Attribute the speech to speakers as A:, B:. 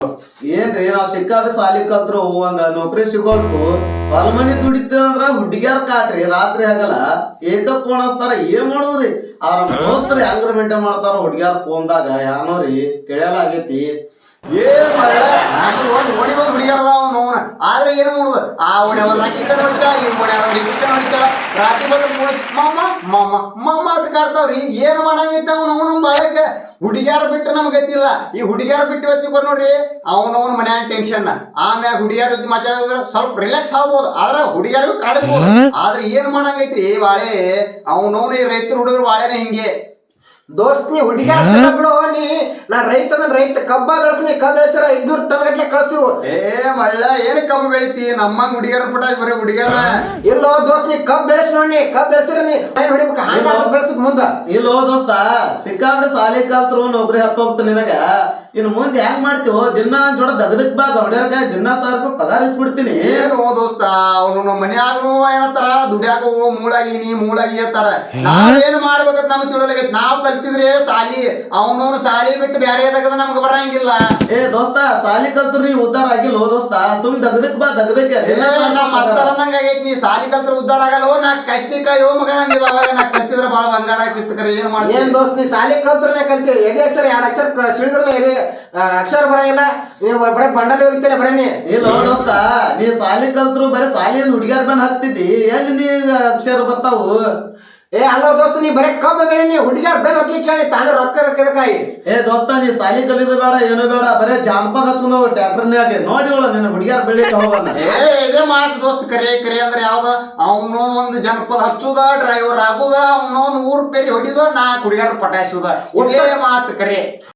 A: ಏನ್ರಿ ನಾವ್ ಸಿಕ್ಕಾಪಟ್ಟೆ ಸಾಲಿ ಕಲ್ತ್ರು ಒಂದ ನೌಕರಿ ಸಿಗೋಲ್ತು ಹೊಲ ಮನಿ ದುಡಿತೇವಂದ್ರ ಹುಡುಗಿಯಾರ್ ಕಾಟ್ರಿ ರಾತ್ರಿ ಆಗಲ್ಲ ಏಕ ಫೋನ್ ಹಚ್ತಾರ ಏನ್ ಮಾಡುದ್ರಿ ಅವ್ರ ದೋಸ್ತರು ಹೆಂಗ್ರ ಮೇಂಟೈನ್ ಮಾಡ್ತಾರ ಹುಡುಗಿಯಾರ್ ಫೋನ್ದಾಗ ಯಾನೋರಿ ತಿಳಿಯಲ್ಲ ಆಗೇತಿ.
B: ಏನ್ ಮಗ ನಾನು ಓಡಿ ಬಂದ್ ಹುಡುಗಿಯರದ ಅವನು ಆದ್ರೆ ಏನ್ ಮಾಡುದು ಆ ಓಣೆ ಹೋದ್ರ ಆಕಿ ಕಡೆ ಹೊಡಿತಾಳ ಈ ಓಣೆ ಹೋದ್ರ ಈ ಕಡೆ ಹೊಡಿತಾಳ ರಾತ್ರಿ ಬಂದ್ರ ಫೋನ್ ಮಾಮ ಮಾಮ ಮಾಮ ಅಂತ ಕಾಡ್ತಾವ್ರಿ ಏನ್ ಮಾಡಂಗೈತೆ ಅವನು ಬಾಳಕ ಹುಡುಗಿಯಾರ ಬಿಟ್ಟು ನಮ್ಗೆ ಗೊತ್ತಿಲ್ಲ ಈ ಹುಡುಗಿಯಾರ ಬಿಟ್ಟು ಹೊತ್ತಿಕೊರ್ ನೋಡ್ರಿ ಅವನವನ್ ಮನ್ಯಾಗ ಟೆನ್ಷನ್ ಆಮ್ಯಾಗ ಹುಡುಗಿಯಾರ ಜೊತೆ ಮಾತಾಡಿದ್ರೆ ಸ್ವಲ್ಪ ರಿಲ್ಯಾಕ್ಸ್ ಆಗ್ಬೋದು ಆದ್ರೆ ಹುಡುಗಿಯಾರಿಗೂ ಕಾಡಿಸ್ಬೋದು ಆದ್ರೆ ಏನ್ ಮಾಡಂಗೈತ್ರಿ ಬಾಳೆ ಅವನವನು ಈ ರೈತರ ಹುಡುಗರು ಬಾಳೆನೆ ಹಿಂಗೆ
C: ದೋಸ್ತ್ ನೀ ಹುಡುಗಿಯಾರ ಬಿಡು ನೀ ನಾ ರೈತ ಕಬ್ಬ ಬೆಳೆಸ್ನಿ ಕಬ್ಬ ಬೆಳೆಸಿರ 500 ಟನ್ ಗಟ್ಲೆ ಕಳ್ತೀವಿ.
B: ಮಳ್ಳ ಏನ್ ಕಬ್ಬು ಬೆಳಿತಿ ನಮ್ಮಂಗ್ ಹುಡುಗಿಯರ ಪುಟ ಬರೀ ಹುಡುಗಿಯರ
C: ಇಲ್ಲೋ ದೋಸ್ತ್ ನೀ ಕಬ್ಬ ಬೆಳೆಸ್ ನೋಡಿ ಕಬ್ಬ ಬೆಳೆಸಿರ ನೀ ಹೊಡಿಬೇಕು ಹಂಗ ಬೆಳೆಸಕ್ ಮುಂದ
A: ಇಲ್ಲೋ ದೋಸ್ತ ಸಿಕ್ಕಾಪಟ್ಟೆ ಸಾಲಿ ಕಲ್ತ್ರು ನೌಕರಿ ಹತ್ತೋಗ್ತ ನಿನಗ ಇನ್ ಮುಂದೆ ಹೆಂಗ್ ಮಾಡ್ತೀವೋ ದಿನ ನನ್ ಜೋಡ ದಗದಕ್ ಬಾ ಗೌಡ್ಯಾರ್ಗ ದಿನ 1000 ರೂಪಾಯಿ ಪಗಾರ ಇಸ್ಬಿಡ್ತೀನಿ.
B: ಏನು ದೋಸ್ತ ಅವನು ಮನ್ಯಾಗನು ಏನತ್ತಾರ ದುಡ್ಯಾಕ ಮೂಳಾಗಿ ಅಂತಾರ ನಾವೇನ್ ಮಾಡ್ಬೇಕಂತ ನಮ್ಗೆ ತಿಳಿಯಲಾಗೈತಿ ನಾವ್ ಕಲ್ತಿದ್ರೆ ಸಾಲಿ ಅವನವನು ಸಾಲಿ ಬಿಟ್ಟು ಬ್ಯಾರೆ ಎದಾಗದ ನಮ್ಗೆ ಬರಂಗಿಲ್ಲ.
A: ದೋಸ್ತ ಸಾಲಿ ಕಲ್ತ್ರು ನೀ ಉದ್ದಾರ ಆಗಿಲ್ಲ ದೋಸ್ತ ಸುಮ್ ದಗದಕ್ ಬಾ ದಗದಕ್ಕೆ
B: ನಮ್ ಮಸ್ತರ ಅಂದಂಗ ಆಗೈತಿ ನೀ ಸಾಲಿ ಕಲ್ತ್ರ ಉದ್ದಾರ ಆಗಲ್ಲ ನಾ ಕತ್ತಿಕಾಯೋ ಮಗನಂಗಿದ ಅವಾಗ ನಾ ಕತ್ತಿದ್ರ ಬಾಳ ಬಂಗಾರ ಆಗ್ತಿತ್ತು ಏನ್ ಮಾಡ್ತೀನಿ.
C: ಏನ್ ದೋಸ್ತ್ ನೀ ಸಾಲಿ ಕಲ್ತ್ರನೆ ಕಲ್ತಿ ಎದೆ ಅಕ್ಷರ 2 ಅಕ್ಷರ ಸಿಡಿದ್ರೆ ಎದೆ ಅಕ್ಷರ ಬರಂಗಿಲ್ಲ ನೀವು ಬರೀ ಬಂಡಲ್ ಹೋಗಿತ್ತೇನೆ ಬರೀ ನೀ
A: ಇಲ್ಲ ದೋಸ್ತ ನೀ ಸಾಲಿ ಕಲ್ತ್ರು ಬರೀ ಸಾಲಿಯಿಂದ ಹುಡುಗಿಯರ್ ಬಂದ್ ಹಾಕ್ತಿದ್ದಿ ಎಲ್ಲಿ ನೀ ಅಕ್ಷರ ಬರ್ತಾವು.
C: ಅಲ್ಲ ದೋಸ್ತ ನೀ ಬರೀ ಕಬ್ಬ ಬೆಳಿ ನೀ ಹುಡುಗಿಯಾರ ಬೆಲ್ ಹತ್ಲಿಕ್ಕೆ ಹೇಳಿ ತಾನೇ ರೊಕ್ಕದಕ್ಕಾಯಿ.
A: ದೋಸ್ತ ನೀ ಸಾಲಿ ಕಲಿಯೋದು ಬೇಡ ಏನು ಬೇಡ ಬರೇ ಜಾನಪದ ಹಚ್ಕೊಂಡ್ ಹೋಗ ಟ್ರ್ಯಾಕ್ಟರ್ನ್ಯಾಗ ನೋಡಿವಳ ನಿನ್ನ ಹುಡುಗಿಯಾರ ಬೆಳಿಲಿಕ್ಕೆ ಹೋಗೋಣ.
B: ಇದೇ ಮಾತು ದೋಸ್ತ ಕರೆ ಅಂದ್ರೆ ಯಾವ್ದ ಅವನು ಒಂದು ಜನಪದ ಹಚ್ಚುದ ಡ್ರೈವರ್ ಆಗುದ ಅವನವನ್ ಊರ್ ಪೇರಿ ಹೊಡಿದ ನಾ ಹುಡುಗಿಯರ ಪಟಾಯಿಸುದ ಇದೇ ಮಾತು ಕರೆ.